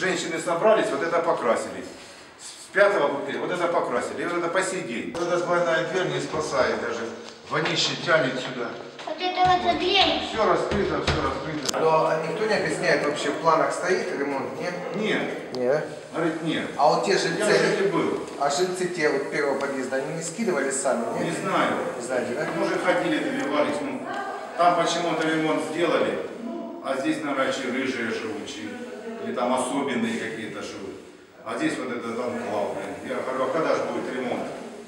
женщины собрались, вот это покрасили. С 5-го вот это покрасили, и вот это по сей день. Вот эта двойная дверь не спасает даже. Вонище тянет сюда. Вот это вот заклеено. Все раскрыто, все раскрыто. Но никто не объясняет, вообще в планах стоит ремонт, нет? Нет. Нет. Говорит, нет. А вот те Я жильцы, же был. а жильцы те вот первого подъезда, они не скидывали сами, нет? Не знаю. Не знаете, да? Может, ходили, добивались. Ну, там почему-то ремонт сделали, а здесь, наверное, рыжие живут, или там особенные какие-то живут. А здесь вот это там клав. Я говорю, а когда же будет ремонт?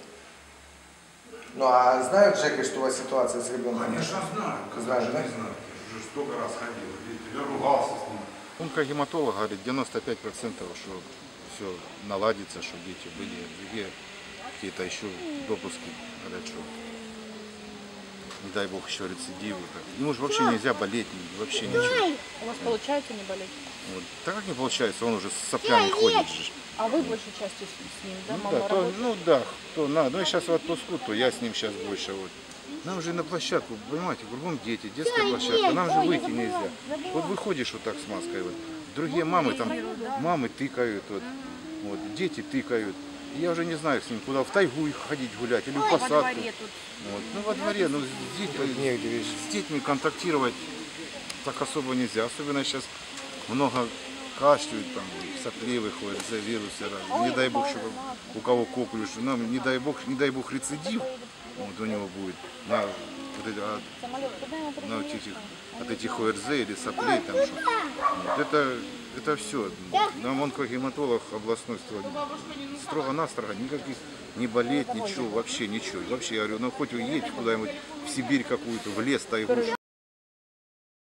Ну а знают жеки, что у вас ситуация с ребенком? Конечно, знаю. Знаю, Конечно, да? не знаю. Я уже столько раз ходил. Я ругался с ним. Он как гематолог говорит, 95%, что все наладится, что дети были, другие какие-то еще допуски, говорят, что не дай бог еще рецидивы. Ему же вообще нельзя болеть, вообще ничего. У вас получается не болеть? Вот. Так как не получается, он уже с соплями ходит же. А вы большей частью с ним, да? Ну Мама да, то, работает? ну да, кто надо. Ну я сейчас в отпуску, то я с ним сейчас больше. Вот. Нам же на площадку, понимаете, кругом дети, детская площадка, нам же выйти нельзя. Вот выходишь вот так с маской, вот. Другие мамы там, мамы тыкают, вот, дети тыкают. И я уже не знаю с ним, куда, в тайгу их ходить гулять или в посадку. Вот. Ну во дворе, ну с детьми контактировать так особо нельзя. Особенно сейчас много кашляют, там, сопли выходят, за вирусы разные. Не дай бог, чтобы у кого коклюш, нам не дай бог рецидив вот у него будет на, вот эти, от этих ОРЗ или соплей. Там, что. Вот это все. Нам онкогематолог областной строго-настрого, никаких не болеть, ничего, вообще ничего. Вообще, я говорю, ну хоть уедь куда-нибудь в Сибирь какую-то, в лес, тайгу.